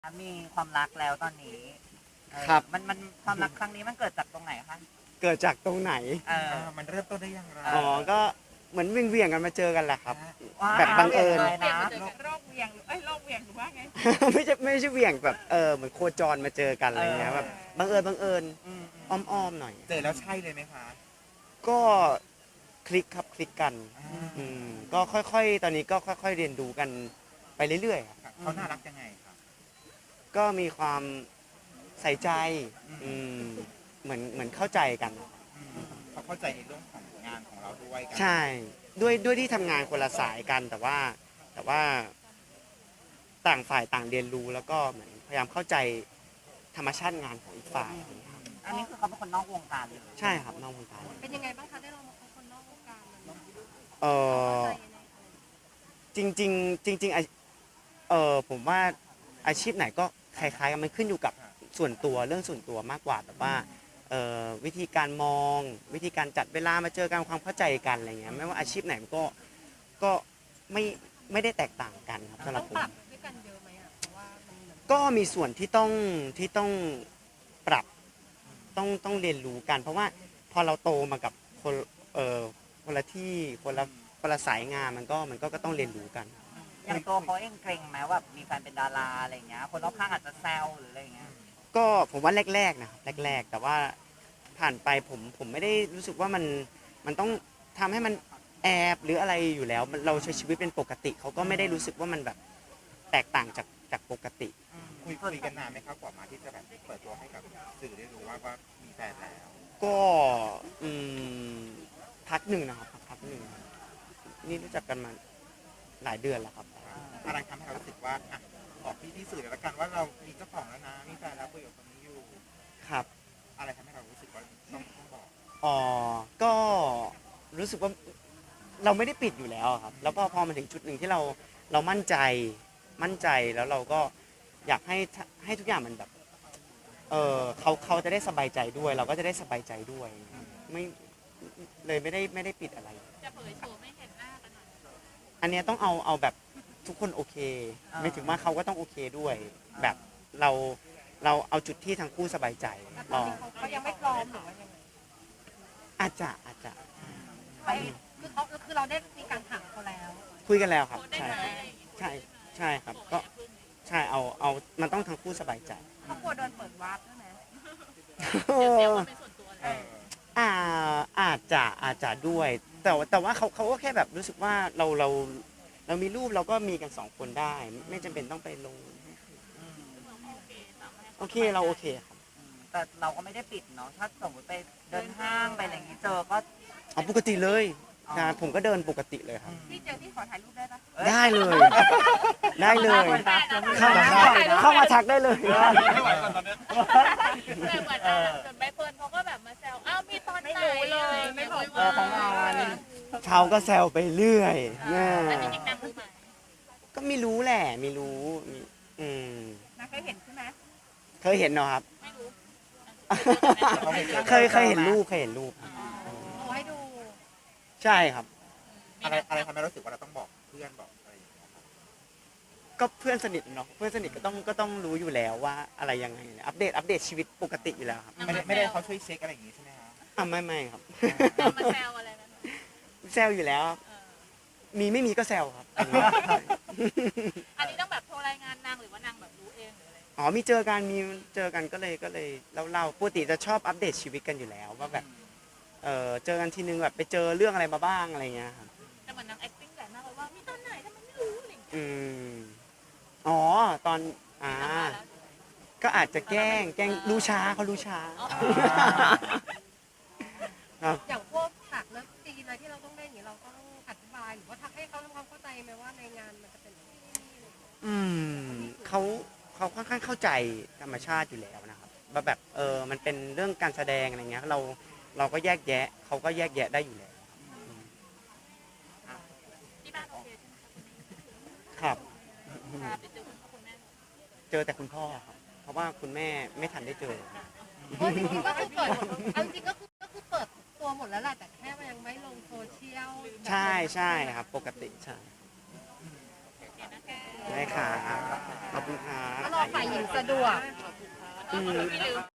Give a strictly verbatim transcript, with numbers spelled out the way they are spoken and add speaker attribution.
Speaker 1: มีความรักแล้วตอนนี้เออ
Speaker 2: ครับ
Speaker 1: มันมันความรักครั้งนี้มันเกิดจากตรงไหนคะ
Speaker 2: เกิดจากตรงไหน
Speaker 1: เออ
Speaker 3: อ่ามันเริ่มต้นได้อย่างไร
Speaker 1: เ
Speaker 2: อ๋อ ก็เหมือนเวียงเวียงๆกันมาเจอกันแหละครับ
Speaker 1: ว้าว
Speaker 2: แบบบังเอิญ
Speaker 1: เลยนะ
Speaker 4: โรคเวียงหรือเอ้ยโรคเวียงหรือว่าไง
Speaker 2: ไม่ใช่ไม่ใช่เวียงแบบเออเหมือนโคจรมาเจอกันอะไรเงี้ยแบบบังเอิญบังเอิญ
Speaker 1: อืมอืม
Speaker 2: อ้อมๆหน่อย
Speaker 3: เจอแล้วใช่เลยไหมคะ
Speaker 2: ก็คลิกครับคลิกกัน
Speaker 3: อ่า
Speaker 2: อืมก็ค่อยๆ ตอนนี้ก็ค่อยๆ เรียนรู้กันไปเรื่อยๆครับ
Speaker 3: เขาน่ารักยังไงครับ
Speaker 2: ก็มีความใส่ใจอืมเหมือนเหมือนเข้าใจกัน
Speaker 3: อืมเขาเข้าใจในเรื่องของงานของเราด้วยกั
Speaker 2: ใช่ด้วยด้วยที่ทำงานคนละสายกันแต่ว่าแต่ว่าต่างฝ่ายต่างเรียนรู้แล้วก็เหมือนพยายามเข้าใจธรรมชาติงานของอีกฝ่ายครับ
Speaker 1: อันนี้คือเขาเป็นคนนอกวงการเลย
Speaker 2: ใช่ครับนอกวงการ
Speaker 4: เป็นยังไงบ้างคะได้ลองมาพบคนนอกวงการมัน
Speaker 2: เออ
Speaker 4: เข้าใจยังไง
Speaker 2: จริงจริงๆจริงๆอาเออผมว่าอาชีพไหนก็คล้ายๆกันมันขึ้นอยู่กับส่วนตัวเรื่องส่วนตัวมากกว่าแบบว่าเอ่อวิธีการมองวิธีการจัดเวลามาเจอกันความเข้าใจกันอะไรเงี้ยไม่ว่าอาชีพไหนมันก็ก็ไม่ไม่ได้แตกต่างกันครับสำหรั
Speaker 4: ต้
Speaker 2: บ
Speaker 4: อง
Speaker 2: ผม
Speaker 4: ปรับด้วยกันเยอะไหมอ่ะเพราะว่ามันเหมือน
Speaker 2: ก็มีส่วนที่ต้องที่ต้องปรับต้องต้องเรียนรู้กัน เพราะว่าพอเราโตมากับคนเอ่อคนละที่คนละคนละสายงานมันก็มันก็ก็ต้องเรียนรู้กัน
Speaker 1: อย่างตัวเขาเองเกรงไหมว่ามีแฟนเป็นดาราอะไรอย่างเงี้ย คนรอบข้างอาจจะแซวหรืออะไรอย่างเงี้ย
Speaker 2: ก็ผมว่าแรกๆนะครับแรก ๆ แต่ว่าผ่านไปผมผมไม่ได้รู้สึกว่ามันมันต้องทำให้มันแอบหรืออะไรอยู่แล้วมันเราใช้ชีวิตเป็นปกติเขาก็ไม่ได้รู้สึกว่ามันแบบแตกต่างจากจากปกติ
Speaker 3: คุยคุยกันนานไหมครับกว่ามาที่จะแบบเปิดตัวให้กับสื่อได้รู้ว่าว่ามีแฟนแล้ว
Speaker 2: ก็อืมพักหนึ่งนะครับพักหนึ่งนี่รู้จักกันมาหลายเดือนแล้วครับ
Speaker 3: อะไรทำให้เรารู้สึกว่าอ่ะบอกพี่ที่สื่อเลยละกันว่าเรามีเจ้าของแล้วนะมีแฟนแล้วคุยกับคนนี้อยู่
Speaker 2: ครับ
Speaker 3: อะไรทำให้เรารู้สึกว่าต้องต้องบอก
Speaker 2: อ๋อก็รู้สึกว่าเราไม่ได้ปิดอยู่แล้วครับ แล้วพอพอมาถึงจุดหนึ่งที่เราเรามั่นใจมั่นใจแล้วเราก็อยากให้ให้ทุกอย่างมันแบบเออเขาเขาจะได้สบายใจด้วย เราก็จะได้สบายใจด้วยไม่เลยไม่ได้ไม่ได้ปิดอะไร
Speaker 4: จะเผยโฉมไม่เห็นหน้ากันหน่อย
Speaker 2: อันเนี้ยต้องเอาเอาแบบทุกคนโอเค
Speaker 1: อ่า
Speaker 2: ไม่ถึงว่าเขาก็ต้องโอเคด้วย แบบเราเราเอาจุดที่ทั้งคู่สบายใจ
Speaker 4: แต่ต
Speaker 2: ร
Speaker 4: อน
Speaker 2: อ
Speaker 4: นี้เขาก็ยังไม่พร้อมหรือว่ายังไง
Speaker 2: อาจจะอาจจะ
Speaker 4: ไปคือเขาคือเราได้มีการถามเขาแล้ว
Speaker 2: คุยกันแล้วครับใช่ใช่ใช่ครับก็ใช่เอาเอามันต้องทั้งคู่สบายใจ
Speaker 4: เขากลัวโดนเปิดวาร์ปใช่ไหม
Speaker 2: เออ
Speaker 3: เออ
Speaker 2: อ่าอาจจะอาจจะด้วย แต่ว่าแต่ว่าเขาเขาก็แค่แบบรู้สึกว่าเราเราเรามีรูปเราก็มีกันสองคนได้ ไม่จำเป็นต้องไปลง
Speaker 1: อืม
Speaker 2: โอเคเราโอเคครับ
Speaker 1: อืมแต่เราก็ไม่ได้ปิดเนาะ ถ้าสมมติไปเดินห้างไปอะไรอย่างงี้เจอก็
Speaker 2: เอาปกติเลย
Speaker 1: อ๋อ
Speaker 2: นะผมก็เดินปกติเลยครับ
Speaker 4: พี่เจอพี่ขอถ่ายรูปได้ปะ
Speaker 1: อ้ย
Speaker 2: ได้เลย ได้เลย
Speaker 1: ได้
Speaker 2: เข้า
Speaker 1: ได้
Speaker 2: เข้า
Speaker 1: ได้
Speaker 2: เข้ามาทักได้เลย
Speaker 5: ไม่ไหวก่อนตอนนี้
Speaker 4: แต่เหมือนอ่ะจนใบเฟิร์นเขาก็แบบมาแซวอ้าวมีตอนไหนเลยไม่บอก
Speaker 1: เออของเราอันนี้
Speaker 2: เขาก็แซวไปเรื่อยเนี่ย
Speaker 4: แต่จริงๆนางรู้ไหม
Speaker 2: ก็ไม่รู้แหละไม่รู้มีอืม
Speaker 4: นางเคยเห็นใช่ไหม
Speaker 2: เคยเห็นเนาะครับ
Speaker 4: ไม่รู้
Speaker 2: เคยเคยเห็นรูปเคยเห็นรูป
Speaker 4: เอาให้ดู
Speaker 2: ใช่ครับ
Speaker 3: อะไรอะไรทำให้เรารู้สึกว่าเราต้องบอกเพื่อนบอกอะไรอย่างเงี้ยครับ
Speaker 2: ก็เพื่อนสนิทเนาะเพื่อนสนิทก็ต้องก็ต้องรู้อยู่แล้วว่าอะไรยังไงอัปเดตอัปเดตชีวิตปกติอยู่แล้วครับ
Speaker 3: ไม่ได้ไม่ได้เขาช่วยเช็คอะไรอย่างงี้ใช่ไหมคะ
Speaker 2: อ่ะไม่ไม่ครับ
Speaker 4: มาแซวอะไรนั้น
Speaker 2: แซวอยู่แล้วครับมีไม่มีก็แซวครับ
Speaker 4: อันนี้ต้องแบบโทรรายงานนางหรือว่านางแบบรู้เองหรืออะไร
Speaker 2: อ๋อมีเจอกันมีเจอกันก็เลยก็เลยเล่าเล่าปกติจะชอบอัปเดตชีวิตกันอยู่แล้วว่าแบบเออเจอกันทีนึงแบบไปเจอเรื่องอะไรมาบ้างอะไรเงี้ยครับ
Speaker 4: แต่เหมือนนาง acting แต่มากเลยว่ามีตอนไหนทำไมไม่รู้อะไรอย่างเงี้ย
Speaker 2: อืมอ๋อตอนอ่าก็อาจจะแกล้งแกล้งรู้ช้าเขารู้ช้า ครับ
Speaker 4: อย่างพวกฉากเลิฟซีนอะไรที่เราต้องเล่นอย่างนี้เราต้องอธิบายหรือว่าทักให้เขาทำความเข้าใจไหมว่าในงานมันจะเป็นแบบนี้อะไรอย่างเงี้ย
Speaker 2: อืมเขาเขาค่อนข้างเข้าใจธรรมชาติอยู่แล้วนะครับว่าแบบเออมันเป็นเรื่องการแสดงอะไรเงี้ยเราเราก็แยกแยะเขาก็แยกแยะได้อยู่แล้ว
Speaker 4: ที่บ้านโอเคใช่ไหม
Speaker 2: ครับ
Speaker 4: พาไปเจอคุณพ่อคุณแม่
Speaker 2: เจอแต่คุณพ่อครับเพราะว่าคุณแม่ไม่ทันได้เจอ
Speaker 4: โอ้จริงๆก็คือเปิดเอาจริงๆก็คือก็คือเปิดตัวหมดแล้วแหละแต่แค่มันยังไม่ลงโซเชียล
Speaker 2: ใช่ใช่ครับ ปกติใช่
Speaker 4: โอเคนะแก
Speaker 2: ได้ค่ะขอบคุณค่ะ
Speaker 4: ถ้ารอฝ่ายหญิงสะดวก
Speaker 2: อืม